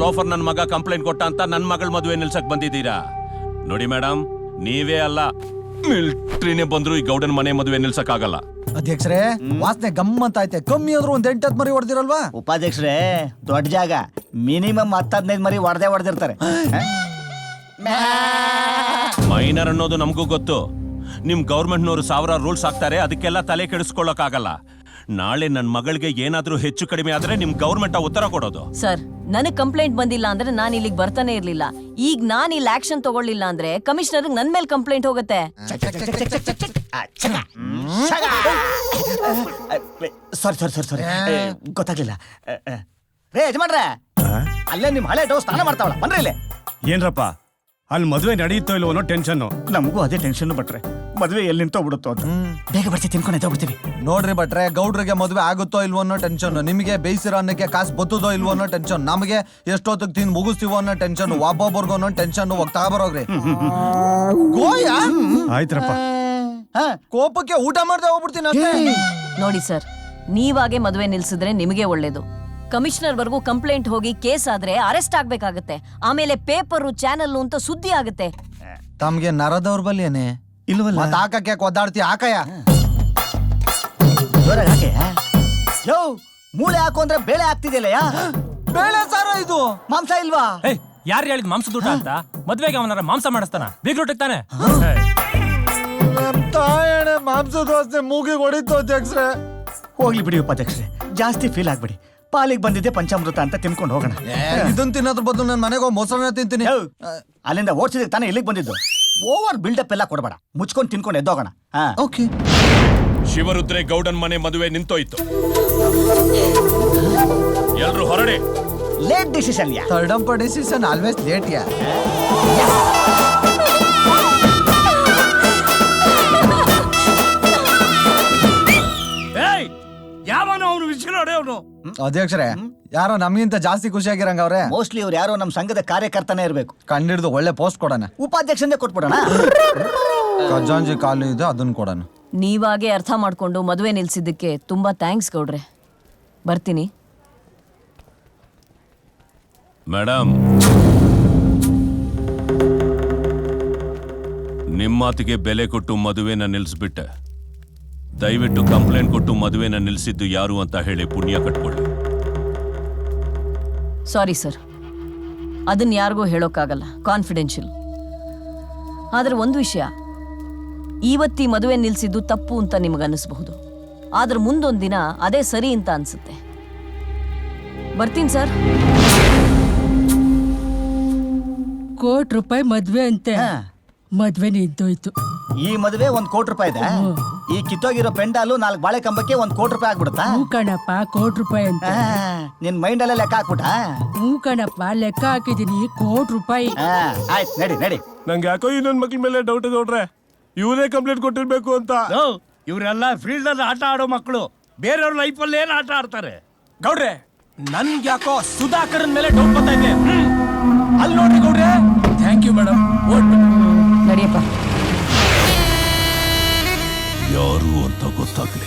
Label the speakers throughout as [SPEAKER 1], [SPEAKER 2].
[SPEAKER 1] Loafer ನನ್ನ ಮಗ complaint ಕೊಟ್ಟ ಅಂತ ನನ್ನ ಮಗಳ ಮದುವೆ ನಿಲ್ಸಕ್ ಬಂದಿದ್ದೀರಾ? ನೋಡಿ ಮೇಡಮ್, ನೀವೇ ಅಲ್ಲ, ಮಿಲ್ಟ್ರಿನೇ ಬಂದ್ರು ಈ ಗೌಡನ್ ಮನೆ ಮದುವೆ ನಿಲ್ಸಕ್ ಆಗಲ್ಲ.
[SPEAKER 2] ಅಧ್ಯಕ್ಷರೇ, ವಾಸನೆ ಗಮ್ಮಂತ ಐತೆ. ಕಮ್ಮಿ ಆದ್ರೂ ಒಂದ್ 8-10 ಮರಿ ಹೊಡೆದಿರಲ್ವಾ?
[SPEAKER 3] ಉಪಾಧ್ಯಕ್ಷರೇ, ದೊಡ್ಡ ಜಾಗ, ಮಿನಿಮಮ್ 10-15 ಮರಿ ಹೊಡೆದಿರ್ತಾರೆ.
[SPEAKER 1] ಮೈನರ್ ಅನ್ನೋದು ನಮಗೂ ಗೊತ್ತು. ನಿಮ್ ಗೌರ್ಮೆಂಟ್ನವರು 1000 ರೂಲ್ಸ್ ಹಾಕ್ತಾರೆ, ಅದಕ್ಕೆಲ್ಲ ತಲೆ ಕೆಡಿಸ್ಕೊಳ್ಳೋಕ್ ಆಗಲ್ಲ. ನಾಳೆ ನನ್ನ ಮಗಳಿಗೆ ಏನಾದ್ರೂ ಹೆಚ್ಚು ಕಡಿಮೆ ಆದ್ರೆ ನಿಮ್ ಗೌರ್ಮೆಂಟ್ ಉತ್ತರ ಕೊಡೋದು.
[SPEAKER 4] ಸರ್, ನನಗ್ ಕಂಪ್ಲೇಂಟ್ ಬಂದಿಲ್ಲ ಅಂದ್ರೆ ನಾನು ಇಲ್ಲಿಗೆ ಬರ್ತಾನೆ ಇರ್ಲಿಲ್ಲ. ಈಗ ನಾನು ಇಲ್ಲಿ ಆಕ್ಷನ್ ತಗೊಳ್ಳಿಲ್ಲ ಅಂದ್ರೆ ಕಮಿಷನರ್ ನನ್ ಮೇಲೆ ಕಂಪ್ಲೇಂಟ್ ಹೋಗುತ್ತೆ.
[SPEAKER 3] ಸಾರಿ ಗೊತ್ತಾಗ್ಲಿಲ್ಲ. ರೇ ಯಜಮಾನ್ರೆ, ಅಲ್ಲೇ ನಿಮ್ ಹಳೆ ಡೌ ಸ್ನಾನ ಮಾಡ್ತಾವಳ, ಬನ್ರಿ ಇಲ್ಲಿ.
[SPEAKER 5] ಏನ್ರಪ್ಪ, ಅಲ್ಲಿ ಮದುವೆ ನಡೆಯುತ್ತೋ ಇಲ್ವೋ ಅನ್ನೋ ಟೆನ್ಷನ್.
[SPEAKER 3] ನಮಗೂ ಅದೇ ಟೆನ್ಷನ್ ಬಟ್ರೆ, ಮದುವೆ ಎಲ್ಲಿ ನಿಂತೋ ಬಿಡುತ್ತೋ ಅಂತ. ಬೇಗ ಬರ್ತೀವಿ, ತಿನ್ಕೊಂಡು ಎದ್ದೋಗ್ಬಿಡ್ತೀವಿ.
[SPEAKER 2] ನೋಡ್ರಿ ಭಟ್ರೆ, ಗೌಡ್ರಿಗೆ ಮದುವೆ ಆಗುತ್ತೋ ಇಲ್ವೋ ಅನ್ನೋ ಟೆನ್ಷನ್, ನಿಮಗೆ ಬೇಯಿಸಿರೋ ಅನ್ನಕ್ಕೆ ಕಾಸು ಬತ್ತದೋ ಇಲ್ವೋ ಅನ್ನೋ ಟೆನ್ಷನ್, ನಮಗೆ ಎಷ್ಟೊತ್ತಿಗೆ ತಿಂದು ಮುಗಿಸ್ತೀವೋ ಅನ್ನೋ ಟೆನ್ಷನ್, ಒಬ್ಬೊಬ್ಬರಿಗೂ ಅನ್ನೋ ಟೆನ್ಷನ್. ಹೋಗ್ತಾ ಬರೋಗ್ರಿ ಗೋಯ.
[SPEAKER 5] ಆಯ್ತ್ರಪ್ಪ,
[SPEAKER 2] ಕೋಪಕ್ಕೆ ಊಟ ಮಾಡ್ದೆ ಹೋಗ್ಬಿಡ್ತೀನಿ ಅಷ್ಟೇ.
[SPEAKER 4] ನೋಡಿ ಸರ್, ನೀವಾಗೆ ಮದುವೆ ನಿಲ್ಸಿದ್ರೆ ನಿಮಗೆ ಒಳ್ಳೇದು. ಕಮಿಷನರ್ ವರ್ಗೂ ಕಂಪ್ಲೇಂಟ್ ಹೋಗಿ ಕೇಸ್ ಆದ್ರೆ ಅರೆಸ್ಟ್ ಆಗ್ಬೇಕಾಗತ್ತೆ. ಆಮೇಲೆ ಪೇಪರು, ಚಾನಲ್ ಅಂತ ಸುದ್ದಿ ಆಗುತ್ತೆ.
[SPEAKER 2] ತಮ್ಗೆ ನರದೌರ್ಬಲ್ಯನೇ
[SPEAKER 3] ಇಲ್ವಲ್ಲ?
[SPEAKER 2] ಮತ್ ಹಾಕಕ್ಕೆ ಒದ್ದಾಡ್ತಿ ಹಾಕಯ್ಯ.
[SPEAKER 3] ಹಾಕೆ ಯೋ, ಮೂಳೆ ಹಾಕು ಅಂದ್ರೆ ಬೇಳೆ ಹಾಕ್ತಿದ್ಯಲ್ಲ.
[SPEAKER 2] ಬೇಳೆ ಸಾರ ಇದು,
[SPEAKER 3] ಮಾಂಸ ಇಲ್ವಾ?
[SPEAKER 6] ಯಾರು ಹೇಳಿದ್ ಮಾಂಸದ ಊಟ ಅಂತ? ಮದ್ವೆಗೆ ಅವನಾರ ಮಾಂಸ ಮಾಡಿಸ್ತಾನ? ಬೀಗ್ರೊಟ್ಟಿಗೆ ತಾನೆ.
[SPEAKER 2] ತಾಯಣೆ ಮಾಂಸದ ವಾಸನೆ ಮೂಗಿಗೆ ಹೊಡಿತು ಅಧ್ಯಕ್ಷರೇ.
[SPEAKER 3] ಹೋಗ್ಲಿ ಬಿಡಿ ಉಪಾಧ್ಯಕ್ಷರೇ, ಜಾಸ್ತಿ ಫೀಲ್ ಆಗ್ಬಿಡಿ. ಪಾಲಿಗೆ ಬಂದಿದ್ದೆ ಪಂಚಾಮೃತ ಅಂತ ತಿನ್ಕೊಂಡು ಹೋಗೋಣ.
[SPEAKER 2] ಇದನ್ ತಿನ್ನೋದ್ರ ಬದಲು ನನ್ನ ಮನೆಗೆ ಹೋಗಿ ಮೊಸರನ್ನ ತಿಂತೀನಿ.
[SPEAKER 3] ಅಲ್ಲಿಂದ ಓಡಿಸಿದ್ರೆ ತಾನೇ ಇಲ್ಲಿಗೆ ಬಂದಿದ್ದು. ಓವರ್ ಬಿಲ್ಡಪ್ ಎಲ್ಲ ಕೊಡಬೇಡ, ಮುಚ್ಕೊಂಡು ತಿನ್ಕೊಂಡು ಎದ್ದೋಗೋಣ.
[SPEAKER 2] ಓಕೆ.
[SPEAKER 1] ಶಿವರುದ್ರೆ ಗೌಡನ್ ಮನೆ ಮದುವೆ ನಿಂತೋಯ್ತು. ಎಲ್ರು ಹೊರಡಿ.
[SPEAKER 3] ಲೇಟ್ ಡಿಸಿಷನ್ ಯಾ.
[SPEAKER 2] ಥರ್ಡ್ ಡಿಸಿಷನ್ ಆಲ್ವೇಸ್ ಲೇಟ್ ಯಾ.
[SPEAKER 6] ಯಾವನು ಅವನು ವಿಷಯ ಅವನು?
[SPEAKER 2] ಅಧ್ಯಕ್ಷರೇ, ಯಾರೋ ನಮ್ಗಿಂತ ಜಾಸ್ತಿ ಖುಷಿಯಾಗಿರಂಗ ಅವ್ರೆ.
[SPEAKER 3] ಮೋಸ್ಟ್ಲಿ ಅವ್ರು ಯಾರೋ ನಮ್ಮ ಸಂಘದ ಕಾರ್ಯಕರ್ತನೇ ಇರಬೇಕು.
[SPEAKER 2] ಕಂಡಿಡ್ದು ಒಳ್ಳೆ ಪೋಸ್ಟ್ ಕೊಡೋಣ.
[SPEAKER 3] ಉಪಾಧ್ಯಕ್ಷನೇ ಕೊಟ್ಬಿಡೋಣ.
[SPEAKER 2] ಖಜಾಂಜಿ ಕಾಲು ಇದೆ, ಅದನ್ನ ಕೊಡೋಣ.
[SPEAKER 4] ನೀವಾಗೆ ಅರ್ಥ ಮಾಡ್ಕೊಂಡು ಮದುವೆ ನಿಲ್ಸಿದ್ದಕ್ಕೆ ತುಂಬಾ ಥ್ಯಾಂಕ್ಸ್ ಗೌಡ್ರೆ. ಬರ್ತೀನಿ.
[SPEAKER 1] ಮೇಡಮ್, ನಿಮ್ಮ ಮಾತಿಗೆ ಬೆಲೆ ಕೊಟ್ಟು ಮದುವೆನ ನಿಲ್ಲಿಸ್ಬಿಟ್ಟೆ. ದಯವಿಟ್ಟು ಕಂಪ್ಲೇಂಟ್ ಕೊಟ್ಟು ಮದುವೆನ ನಿಲ್ಲಿಸಿದ್ದು ಯಾರು ಅಂತ ಹೇಳಿ ಪುಣ್ಯ ಕಟ್ಕೊಳ್ಳಿ.
[SPEAKER 4] ಸಾರಿ ಸರ್, ಅದನ್ನ ಯಾರಿಗೂ ಹೇಳೋಕ್ಕಾಗಲ್ಲ, ಕಾನ್ಫಿಡೆನ್ಷಿಯಲ್. ಆದ್ರೆ ಒಂದು ವಿಷಯ, ಇವತ್ತಿ ಮದುವೆ ನಿಲ್ಸಿದ್ದು ತಪ್ಪು ಅಂತ ನಿಮಗನ್ನಿಸಬಹುದು, ಆದ್ರೆ ಮುಂದೊಂದು ದಿನ ಅದೇ ಸರಿ ಅಂತ ಅನ್ಸುತ್ತೆ. ಬರ್ತೀನಿ ಸರ್.
[SPEAKER 7] ₹1,00,00,000 ಮದ್ವೆ ಅಂತೆ. ಮದ್ವೆ ನಿಂತೋಯ್ತು.
[SPEAKER 3] ಈ ಮದುವೆ ₹1,00,00,000 ಇದೆ. ಈ ಕಿತ್ತೋಗಿರೋ ಪೆಂಡಾಲು 4 ಬಾಳೆ ಕಂಬಕ್ಕೆ ₹1,00,00,000 ಆಗ್ಬಿಡುತ್ತಾ?
[SPEAKER 7] ಹೂ ಕಣಪ್ಪ, ₹1,00,00,000 ಅಂತ.
[SPEAKER 3] ನಿನ್ ಮೈಂಡ್ ಅಲ್ಲೇ ಲೆಕ್ಕ ಹಾಕ್ಬಿಟ್ಟ?
[SPEAKER 7] ಹೂ ಕಣಪ್ಪ, ಲೆಕ್ಕ ಹಾಕಿದೀನಿ. ₹1,00,00,000.
[SPEAKER 3] ಆಯ್ತು, ನಡಿ.
[SPEAKER 5] ನಂಗೆ ಯಾಕೋ ಈ ನನ್ನ ಮಕ್ಳ ಮೇಲೆ ಡೌಟ್ ಗೌಡ್ರೆ, ಇವರೇ ಕಂಪ್ಲೇಂಟ್ ಕೊಟ್ಟಿರ್ಬೇಕು ಅಂತ.
[SPEAKER 6] ಇವರೆಲ್ಲ ಫೀಲ್ಡ್ ಅಲ್ಲಿ ಆಟ ಆಡೋ ಮಕ್ಕಳು, ಬೇರೆಯವ್ರ ಲೈಫಲ್ಲಿ ಏನ್ ಆಟ ಆಡ್ತಾರೆ? ಗೌಡ್ರೆ, ನನ್ಗೆ ಯಾಕೋ ಸುಧಾಕರನ್ ಮೇಲೆ ಡೌಟ್ ಬರ್ತಾ ಇದೆ. ಅಲ್ಲಿ ನೋಡ್ರಿ ಗೌಡ್ರೆ. Thank you madam.
[SPEAKER 4] ನಡಿಯಪ್ಪ.
[SPEAKER 1] ಯಾರು ಅಂತ ಗೊತ್ತಾಗ್ಲಿ,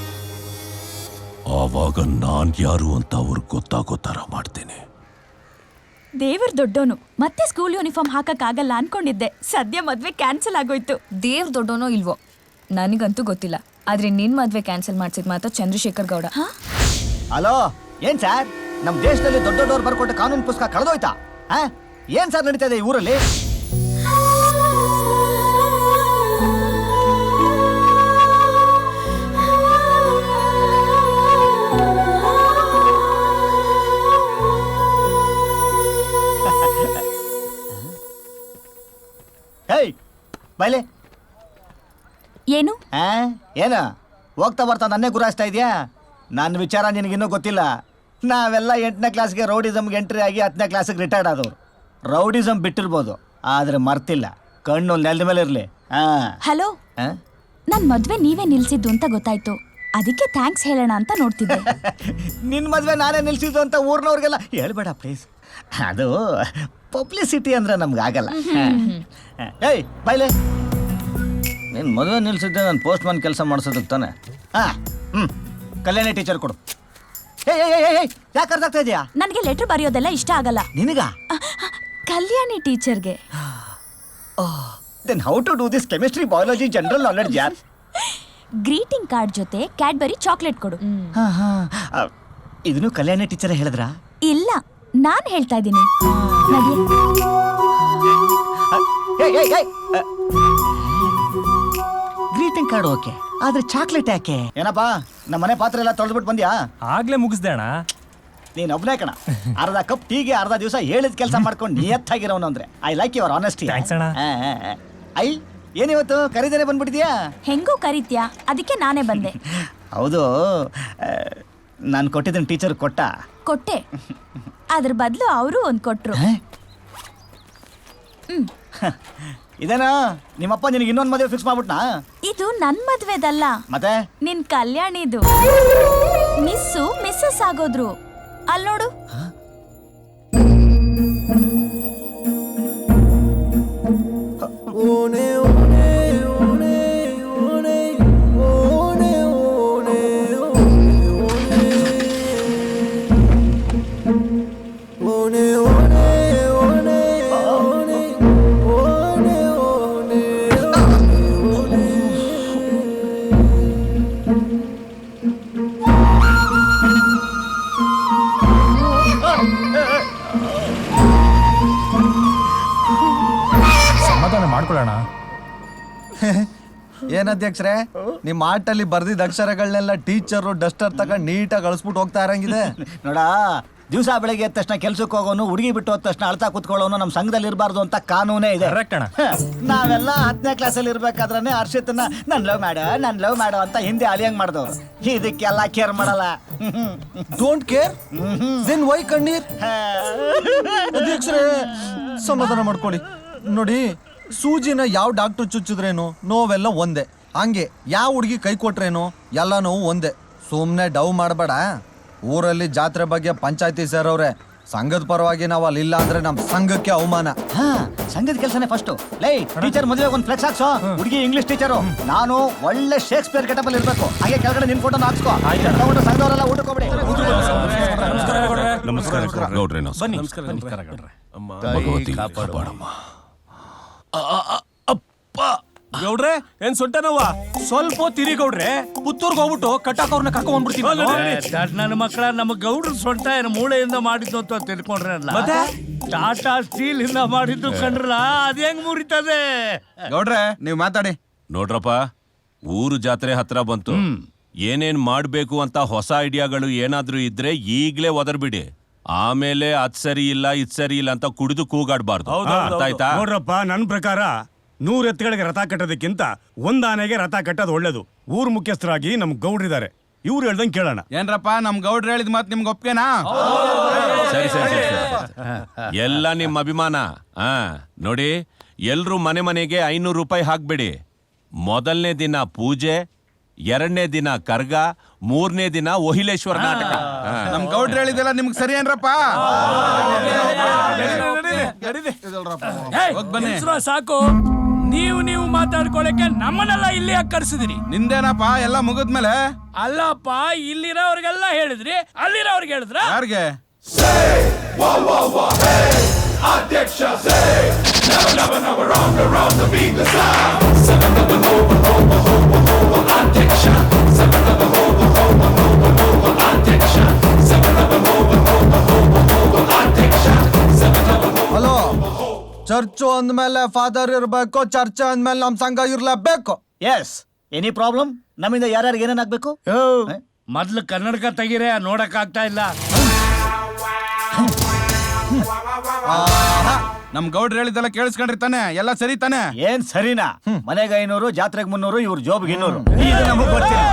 [SPEAKER 1] ಆವಾಗ ನಾನ್ ಯಾರು ಅಂತ ಅವ್ರಿಗೆ ಗೊತ್ತಾಗೋ ತರ ಮಾಡ್ತೇನೆ.
[SPEAKER 8] ದೇವ್ರ ದೊಡ್ಡೋನು, ಮತ್ತೆ ಸ್ಕೂಲ್ ಯೂನಿಫಾರ್ಮ್ ಹಾಕಕ್ ಆಗಲ್ಲ ಅನ್ಕೊಂಡಿದ್ದೆ. ಸದ್ಯ ಮದ್ವೆ ಕ್ಯಾನ್ಸಲ್ ಆಗೋಯ್ತು.
[SPEAKER 9] ದೇವ್ರ ದೊಡ್ಡೋನೋ ಇಲ್ವೋ ನನಗಂತೂ ಗೊತ್ತಿಲ್ಲ, ಆದ್ರೆ ನಿನ್ ಮದ್ವೆ ಕ್ಯಾನ್ಸಲ್ ಮಾಡ್ಸಿದ್ ಮಾತ್ರ ಚಂದ್ರಶೇಖರ್ ಗೌಡ.
[SPEAKER 3] ಹಲೋ, ಏನ್ ಸರ್, ನಮ್ ದೇಶದಲ್ಲಿ ದೊಡ್ಡದವ್ರು ಬರ್ಕೊಟ್ಟ ಕಾನೂನು ಪುಸ್ತಕ ಕಳೆದೋಯ್ತಾ? ಏನ್ ಸರ್ ನಡೀತಾ ಇದೆ ಈ ಊರಲ್ಲಿ? ಬೈಲೆ
[SPEAKER 8] ಏನು
[SPEAKER 3] ಏನ ಹೋಗ್ತಾ ಬರ್ತಾ ನನ್ನೇ ಗುರಾಯಿಸ್ತಾ ಇದೆಯಾ? ನನ್ನ ವಿಚಾರ ನಿನಗಿನ್ನೂ ಗೊತ್ತಿಲ್ಲ. ನಾವೆಲ್ಲ 8ನೇ ಕ್ಲಾಸ್ಗೆ ರೌಡಿಸಮ್ಗೆ ಎಂಟ್ರಿ ಆಗಿ 10ನೇ ಕ್ಲಾಸಿಗೆ ರಿಟೈರ್ಡ್ ಆದವ್ರು. ರೌಡಿಸಮ್ ಬಿಟ್ಟಿರ್ಬೋದು, ಆದ್ರೆ ಮರ್ತಿಲ್ಲ. ಕಣ್ಣು ನೆಲದ ಮೇಲೆ ಇರಲಿ.
[SPEAKER 8] ಹಲೋ, ನನ್ ಮದ್ವೆ ನೀವೇ ನಿಲ್ಸಿದ್ದು ಅಂತ ಗೊತ್ತಾಯ್ತು, ಅದಕ್ಕೆ ಥ್ಯಾಂಕ್ಸ್ ಹೇಳೋಣ ಅಂತ ನೋಡ್ತಿದ್ದೆ.
[SPEAKER 3] ನಿನ್ನ ಮದ್ವೆ ನಾನೇ ನಿಲ್ಸಿದ್ದು ಅಂತ ಊರ್ನವ್ರಿಗೆಲ್ಲ ಹೇಳ್ಬೇಡ ಪ್ಲೀಸ್. ಅದು ಪಬ್ಲಿಸಿಟಿ ಅಂದ್ರೆ ನಮ್ಗೆ ಆಗಲ್ಲ. ಏಯ್ ಬೈಲೆ, ನಿನ್ನ ಮದುವೆ ನಿಲ್ಸಿದ್ದೆ ನಾನು ಪೋಸ್ಟ್ ಮ್ಯಾನ್ ಕೆಲಸ ಮಾಡಿಸೋದಕ್ಕೆ ತಾನೆ. ಕಲ್ಯಾಣಿ ಟೀಚರ್ ಕೊಡು. ಯಾಕೆ ಅರ್ಥ ಆಗ್ತಾ ಇದೆಯಾ?
[SPEAKER 8] ನನಗೆ ಲೆಟರ್ ಬರೆಯೋದೆಲ್ಲ ಇಷ್ಟ ಆಗಲ್ಲ.
[SPEAKER 3] ನಿನಗ
[SPEAKER 8] ಕಲ್ಯಾಣಿ ಟೀಚರ್ಗೆ.
[SPEAKER 3] Then how to do this chemistry biology general knowledge ಯಾರ್?
[SPEAKER 8] ಗ್ರೀಟಿಂಗ್ ಕಾರ್ಡ್ ಜೊತೆ ಕ್ಯಾಡ್ಬರಿ ಚಾಕ್ಲೇಟ್ ಕೊಡು.
[SPEAKER 3] ಇದನ್ನು ಕಲ್ಯಾಣಿ ಟೀಚರ್ ಹೇಳಿದ್ರಾ?
[SPEAKER 8] ಇಲ್ಲ, ನಾನ್ ಹೇಳ್ತಾ ಇದ್ದೀನಿ.
[SPEAKER 3] ಗ್ರೀಟಿಂಗ್ ಕಾರ್ಡ್ ಓಕೆ, ಆದ್ರೆ ಚಾಕ್ಲೇಟ್ ಯಾಕೆ? ಏನಪ್ಪಾ ನಮ್ಮ ಮನೆ ಪಾತ್ರೆ ಎಲ್ಲ ತೊಳೆದ್ಬಿಟ್ಟು ಬಂದ್ಯಾ?
[SPEAKER 6] ಆಗ್ಲೇ ಮುಗಿಸ್ದೆ ಅಣ್ಣ.
[SPEAKER 3] ನೀನ್ ಒಬ್ನೇ ಕಣ. ಅರ್ಧ ಕಪ್ ಟೀಗೆ ಅರ್ಧ ದಿವಸ ಹೇಳಿದ ಕೆಲಸ ಮಾಡ್ಕೊಂಡು ನಿಯತ್ತಾಗಿರೋನು ಅಂದ್ರೆ I like your honesty.
[SPEAKER 6] Thanks ಅಣ್ಣ.
[SPEAKER 3] ಐ ಏನಿವತ್ತು ಕರೀದೇನೆ ಬಂದ್ಬಿಟ್ಟಿದ್ಯಾ?
[SPEAKER 8] ಹೆಂಗೂ ಕರೀತ್ಯಾ, ಅದಕ್ಕೆ ನಾನೇ ಬಂದೆ.
[SPEAKER 3] ಹೌದು, ನಾನು ಕೊಟ್ಟಿದ್ದೀನಿ ಟೀಚರ್ ಕೊಟ್ಟ.
[SPEAKER 8] ಕೊಟ್ಟೆ, ಅದ್ರ ಬದಲು ಅವರು ಒಂದ್ ಕೊಟ್ರು.
[SPEAKER 3] ಇದೇನಾ ನಿಮ್ಮಪ್ಪ ನಿನಗೆ ಇನ್ನೊಂದು ಮದುವೆ ಫಿಕ್ಸ್ ಮಾಡ್ಬಿಟ್ನಾ?
[SPEAKER 8] ಇದು ನನ್ ಮದ್ವೆದಲ್ಲ,
[SPEAKER 3] ಮತ್ತೆ
[SPEAKER 8] ನಿನ್ ಕಲ್ಯಾಣಿದು. Miss missus ಆಗೋದ್ರು. ಅಲ್ ನೋಡು.
[SPEAKER 6] ಸಮಾಧಾನ ಮಾಡ್ಕೊಳ್ಳೋಣ.
[SPEAKER 2] ಏನ್ ಅಧ್ಯಕ್ಷರೇ, ನಿಮ್ಮ ಆಟಲ್ಲಿ ಬರ್ದಿದ್ದ ಅಕ್ಷರಗಳನ್ನೆಲ್ಲ ಟೀಚರು ಡಸ್ಟರ್ ತಗೊಂಡು ನೀಟಾಗಿ ಅಳಿಸ್ಬಿಟ್ಟು ಹೋಗ್ತಾ ಇರಂಗಿದೆ.
[SPEAKER 3] ನೋಡ, ದಿವಸ ಬೆಳಗ್ಗೆ ಎದ್ದ ತಕ್ಷಣ ಕೆಲ್ಸಕ್ಕೆ ಹೋಗೋನು, ಹುಡುಗಿ ಬಿಟ್ಟು ಹೋದ ತಕ್ಷಣ ಅಳ್ತಾ ಕೂತ್ಕೊಳ್ಳೋನು ನಮ್ಮ ಸಂಘದಲ್ಲಿ ಇರಬಾರ್ದು ಅಂತ ಕಾನೂನೇ ಇದೆ.
[SPEAKER 6] Correct ಅಣ್ಣ.
[SPEAKER 3] ನಾವೆಲ್ಲ 10ನೇ ಕ್ಲಾಸಲ್ಲಿ ಇರ್ಬೇಕಾದ್ರೆ ಹರ್ಷಿತನ ನನ್ ಲವ್ ಮಾಡೋ ಅಂತ ಹಿಂದೆ ಅಲಿಯಂಗ್ ಮಾಡಿದವ್ರು. ಇದಕ್ಕೆಲ್ಲ ಕೇರ್ ಮಾಡಲ್ಲ.
[SPEAKER 2] ಡೋಂಟ್ ಕೇರ್ ದೆನ್ ವೈ ಕಣ್ಣೀರ್? ಅಧ್ಯಕ್ಷರೇ ಸಮಾಧಾನ ಮಾಡ್ಕೊಳ್ಳಿ. ನೋಡಿ, ಸೂಜಿನ ಯಾವ ಡಾಕ್ಟರ್ ಚುಚ್ಚಿದ್ರೇನು ನೋವೆಲ್ಲ ಒಂದೇ, ಹಂಗೆ ಯಾವ ಹುಡುಗಿ ಕೈ ಕೊಟ್ರೇನು ಎಲ್ಲ ನೋವು ಒಂದೇ. ಸುಮ್ಮನೆ ಡವ್ ಮಾಡಬೇಡ. ಊರಲ್ಲಿ ಜಾತ್ರೆ ಬಗ್ಗೆ ಪಂಚಾಯತಿ ಸೇರವ್ರೆ, ಸಂಘದ ಪರವಾಗಿ ನಾವು ಅಲ್ಲಿ ಇಲ್ಲ ಅಂದ್ರೆ ನಮ್ಮ ಸಂಘಕ್ಕೆ ಅವಮಾನ.
[SPEAKER 3] ಸಂಘದ ಕೆಲಸನೇ ಫಸ್ಟ್. ಲೈ ಟೀಚರ್ ಮದುವೆ ಒಂದು ಫ್ಲೆಕ್ಸ್ ಹಾಕ್ಸೋ. ಹುಡುಗಿ ಇಂಗ್ಲಿಷ್ ಟೀಚರು, ನಾನು ಒಳ್ಳೆ ಶೇಕ್ಸ್ಪಿಯರ್ ಕೆಟಪಲ್ಲಿ ಇರ್ಬೇಕು. ಹಾಗೆ ಕೆಳಗಡೆ ನಿನ್ ಫೋಟೋ ಹಾಕ್ಸ್ಕೋ. ತಗೊಂಡು ಸಂಘದವರೆಲ್ಲ ಊಟಕ್ಕೆ ಹೋಗ್ಬಿಡಿ.
[SPEAKER 1] ನಮಸ್ಕಾರ ಗೌಡ್ರೆ.
[SPEAKER 6] ಬನ್ನಿ.
[SPEAKER 1] ಭಗವತಿ ಕಾಪಾಡಮ್ಮ.
[SPEAKER 6] ಗೌಡ್ರೆ, ಏನ್ ಸೊಂಟ ನೋವ? ಸ್ವಲ್ಪ ತಿರಿ ಗೌಡ್ರೆ, ಪುತ್ತೂರ್ಗೆ ಹೋಗ್ಬಿಟ್ಟು ಕಟ್ಟಾಕವ್ರನ್ನ ಕರ್ಕೊಂಡ್ ಬಂದ್ಬಿಡ್ತೀನಿ.
[SPEAKER 5] ನನ್ನ ಮಕ್ಕಳ ನಮ್ಮ ಗೌಡ್ರ ಸೊಂಟ ಏನು ಮೂಳೆಯಿಂದ ಮಾಡಿದ್ದು ಅಂತ ತಿಳ್ಕೊಂಡ್ರಲ್ಲ.
[SPEAKER 6] ಮತ್ತೆ
[SPEAKER 5] ಟಾಟಾ ಸ್ಟೀಲ್ ಇಂದ ಮಾಡಿದ್ದು ಕಂಡ್ರಲ್ಲ, ಅದ್ ಹೆಂಗ್ ಮುರಿತದೆ?
[SPEAKER 2] ಗೌಡ್ರೆ ನೀವು ಮಾತಾಡಿ.
[SPEAKER 1] ನೋಡ್ರಪ್ಪ, ಊರು ಜಾತ್ರೆ ಹತ್ರ ಬಂತು. ಏನೇನ್ ಮಾಡ್ಬೇಕು ಅಂತ ಹೊಸ ಐಡಿಯಾಗಳು ಏನಾದ್ರೂ ಇದ್ರೆ ಈಗ್ಲೇ ಒದರ್ಬಿಡಿ. ಆಮೇಲೆ ಅದ್ ಸರಿ ಇಲ್ಲ ಇದ್ ಸರಿ ಇಲ್ಲ ಅಂತ ಕುಡಿದು ಕೂಗಾಡ್ಬಾರ್ದು. ಅರ್ಥ ಆಯ್ತಾ?
[SPEAKER 5] ನೋಡ್ರಪ್ಪ, ನನ್ ಪ್ರಕಾರ 100 ಎತ್ತುಗಳಿಗೆ ರಥ ಕಟ್ಟೋದಕ್ಕಿಂತ 1 ಆನೆಗೆ ರಥ ಕಟ್ಟೋದು ಒಳ್ಳೇದು. ಊರ್ ಮುಖ್ಯಸ್ಥರಾಗಿ ನಮ್ ಗೌಡ್ರಿದ್ದಾರೆ, ಇವ್ರು ಹೇಳ್ದಂಗೆ ಕೇಳೋಣ.
[SPEAKER 2] ಏನ್ರಪ್ಪ ನಮ್ ಗೌಡ್ರು ಹೇಳಿದ ಮಾತು ನಿಮ್ಗೆ ಒಪ್ಗೆನಾ?
[SPEAKER 1] ಸರಿ ಸರಿ ಸರಿ ಸರಿ. ಎಲ್ಲ ನಿಮ್ಮ ಅಭಿಮಾನ. ನೋಡಿ, ಎಲ್ರು ಮನೆ ಮನೆಗೆ 500 ರೂಪಾಯಿ ಹಾಕ್ಬಿಡಿ. ಮೊದಲನೇ ದಿನ ಪೂಜೆ, 2ನೇ ದಿನ ಕರ್ಗ, 3ನೇ ದಿನ ಒಹಿಲೇಶ್ವರ ನಾಟಕ.
[SPEAKER 2] ನಮ್ ಗೌಡ್ರು ಹೇಳಿದೆಲ್ಲ ನಿಮ್ಗೆ ಸರಿ ಏನ್ರಪ್ಪ?
[SPEAKER 6] ಸಾಕು, ನೀವು ಮಾತಾಡ್ಕೊಳಕ್ಕೆ ನಮ್ಮನ್ನೆಲ್ಲ ಇಲ್ಲಿ ಕರ್ಸಿದ್ರಿ.
[SPEAKER 2] ನಿಂದೇನಪ್ಪ ಎಲ್ಲ ಮುಗಿದ್ಮೇಲೆ?
[SPEAKER 6] ಅಲ್ಲಪ್ಪ, ಇಲ್ಲಿರೋರ್ಗೆಲ್ಲ ಹೇಳಿದ್ರಿ, ಅಲ್ಲಿರೋರ್ಗೆ ಹೇಳಿದ್ರ?
[SPEAKER 2] ಯಾರಿಗೆ? ಹಲೋ, ಚರ್ಚು ಅಂದ್ಮೇಲೆ ಫಾದರ್ ಇರ್ಬೇಕು, ಚರ್ಚ್ ಅಂದ್ಮೇಲೆ ನಮ್ ಸಂಘ ಇರ್ಲೇಬೇಕು.
[SPEAKER 3] Yes, any problem? ನಮ್ಮಿಂದ ಯಾರ್ಯಾರಿಗೆ ಏನೇನ್ ಆಗ್ಬೇಕು?
[SPEAKER 5] ಮೊದ್ಲು ಕನ್ನಡಕ ತೆಗೀರೆ, ನೋಡಕ್ ಆಗ್ತಾ ಇಲ್ಲ.
[SPEAKER 2] ನಮ್ ಗೌಡ್ರು ಹೇಳಿದೆಲ್ಲ ಕೇಳಿಸ್ಕೊಂಡ್ರಿ ತಾನೆ? ಎಲ್ಲ ಸರಿ ತಾನೆ?
[SPEAKER 3] ಏನ್ ಸರಿನಾ? ಮನೆಗೆ 500, ಜಾತ್ರೆಗೆ 300, ಇವ್ರ ಜೋಬ್ಗೆ 200. ಇದು ನಮಗ್ ಗೊತ್ತಿಲ್ಲ.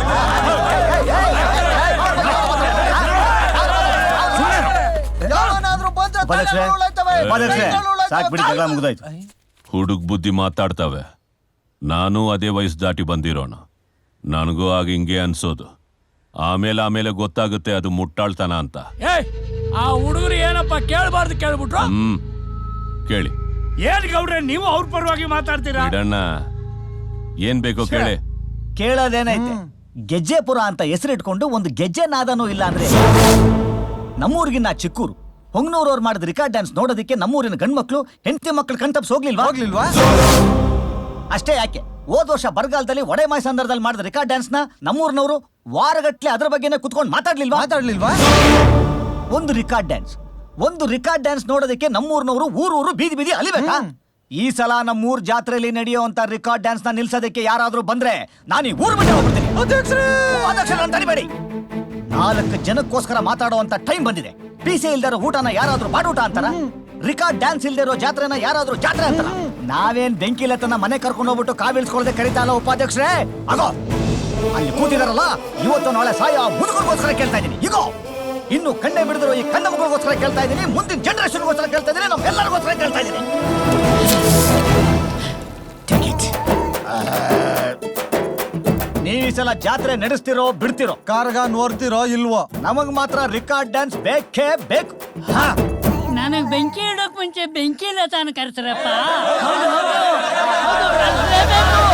[SPEAKER 3] ಸಾಕ್ಬಿಡಿ, ಜಗಳ ಮುಗ್ದಾಯ್ತು.
[SPEAKER 1] ಹುಡುಗ್ ಬುದ್ಧಿ ಮಾತಾಡ್ತವೆ. ನಾನು ಅದೇ ವಯಸ್ಸು ದಾಟಿ ಬಂದಿರೋಣ. ನನಗೂ ಆಗ ಹಿಂಗೆ ಅನ್ಸೋದು. ಆಮೇಲೆ ಗೊತ್ತಾಗುತ್ತೆ ಅದು ಮುಟ್ಟಾಳ್ತನ ಅಂತ.
[SPEAKER 6] ಆ ಹುಡುಗರು ಏನಪ್ಪ ಕೇಳಬಾರ್ದು ಕೇಳ್ಬಿಟ್ರು.
[SPEAKER 1] ಕೇಳಿ.
[SPEAKER 5] ಏನ್ ಗೌಡ್ರೆ, ನೀವು ಅವ್ರ ಪರವಾಗಿ ಮಾತಾಡ್ತೀರಾ?
[SPEAKER 1] ಬಿಡಣ್ಣ, ಏನ್ ಬೇಕೋ ಕೇಳಿ.
[SPEAKER 3] ಕೇಳೋದೇನೈತೆ? ಗೆಜ್ಜೆಪುರ ಅಂತ ಹೆಸರಿಟ್ಕೊಂಡು ಒಂದು ಗೆಜ್ಜೆ ನಾದನೂ ಇಲ್ಲ ಅಂದ್ರೆ ನಮ್ಮೂರಿಗಿನ್ನ ಚಿಕ್ಕೂರು. ಹೊಂಗನೂರವ್ರು ಮಾಡಿದ ರಿಕಾರ್ಡ್ ಡ್ಯಾನ್ಸ್ ನೋಡೋದಕ್ಕೆ ನಮ್ಮೂರಿನ ಗಂಡ್ಮಕ್ಳು ಹೆಂಡತಿ ಮಕ್ಳು ಕಣ್ತಪ್ಸ್ ಹೋಗ್ಲಿಲ್ವಾ? ಅಷ್ಟೇ ಯಾಕೆ, ಹೋದ ವರ್ಷ ಬರಗಾಲದಲ್ಲಿ ಒಡೆಮಾಯಿ ಸಂದರ್ಭದಲ್ಲಿ ಮಾಡಿದ ರಿಕಾರ್ಡ್ ಡ್ಯಾನ್ಸ್ ನ ನಮ್ಮೂರಿನವರು ವಾರಗಟ್ಲೆ ಅದ್ರ ಬಗ್ಗೆನೇ ಕುತ್ಕೊಂಡು ಮಾತಾಡ್ಲಿಲ್ವಾ? ಒಂದು ರಿಕಾರ್ಡ್ ಡ್ಯಾನ್ಸ್ ನೋಡೋದಕ್ಕೆ ನಮ್ಮೂರಿನವರು ಊರು ಬೀದಿ ಬೀದಿ ಅಲಿಬೇಕಾ? ಈ ಸಲ ನಮ್ಮೂರ್ ಜಾತ್ರೆಯಲ್ಲಿ ನಡೆಯುವಂತ ರಿಕಾರ್ಡ್ ಡ್ಯಾನ್ಸ್ ನ ನಿಲ್ಸೋದಕ್ಕೆ ಯಾರಾದ್ರೂ ಬಂದ್ರೆ ನಾನು ಈ ಊರು ಬಿಟ್ಟು ಹೋಗ್ಬಿಡ್ತೀನಿ. ಅಧ್ಯಕ್ಷರನ್ನ ತಡಿಬೇಡಿ. 4 ಜನಕ್ಕೋಸ್ಕರ ಮಾತಾಡುವಂತ ಟೈಮ್ ಬಂದಿದೆ. ಪೀಸೆ ಇಲ್ದಿರೋ ಊಟನ ಯಾರಾದ್ರೂ ಬಾಡೂಟ ಅಂತಾರ? ರಿಕಾರ್ಡ್ ಡ್ಯಾನ್ಸ್ ಇಲ್ದಿರೋ ಜಾತ್ರೆನ ಯಾರಾದ್ರೂ ಜಾತ್ರೆ ಅಂತಾರ? ನಾವೇನ್ ಬೆಂಕಿಲತನ ಮನೆ ಕರ್ಕೊಂಡು ಹೋಗ್ಬಿಟ್ಟು ಕಾವಿಲ್ಸ್ಕೊಳ್ದೆ ಕರೀತಾ ಇಲ್ಲ ಉಪಾಧ್ಯಕ್ಷರೇ. ಆಗೋ ಅಲ್ಲಿ ಕೂತಿದಾರಲ್ಲ, ಇವತ್ತು ನಾಳೆ ಸಾಯ ಮುದುಕರಿಗೋಸ್ಕರ ಕೇಳ್ತಾ ಇದ್ದೀನಿ. ಈಗೋ ಇನ್ನು ಕಣ್ಣೆ ಬಿಡಿದ್ರು ಈ ಕಣ್ಣ ಮಕ್ಕಳಿಗೋಸ್ಕರ ಕೇಳ್ತಾ ಇದ್ದೀನಿ, ಮುಂದಿನ ಜನರೇಷನ್ಗೋಸ್ಕರ ಕೇಳ್ತಾ ಇದ್ದೀನಿ, ನಮ್ಮೆಲ್ಲರಿಗೋಸ್ಕರ ಕೇಳ್ತಾ ಇದ್ದೀನಿ. ನೀವು ಈ ಸಲ ಜಾತ್ರೆ ನಡೆಸ್ತಿರೋ ಬಿಡ್ತಿರೋ,
[SPEAKER 2] ಕಾರ್ಗ ನೋಡ್ತಿರೋ ಇಲ್ವೋ,
[SPEAKER 3] ನಮಗ್ ಮಾತ್ರ ರಿಕಾರ್ಡ್ ಡ್ಯಾನ್ಸ್ ಬೇಕೇ ಬೇಕು.
[SPEAKER 7] ನನಗ್ ಬೆಂಕಿ ಇಡೋಕ್ ಮುಂಚೆ ಬೆಂಕಿ ಲತಾನ ಕರ್ತಾರಪ್ಪ. ಹೌದು, ಹೌದು, ಹೌದು, ಕರ್ಸ್ಲೇಬೇಕು.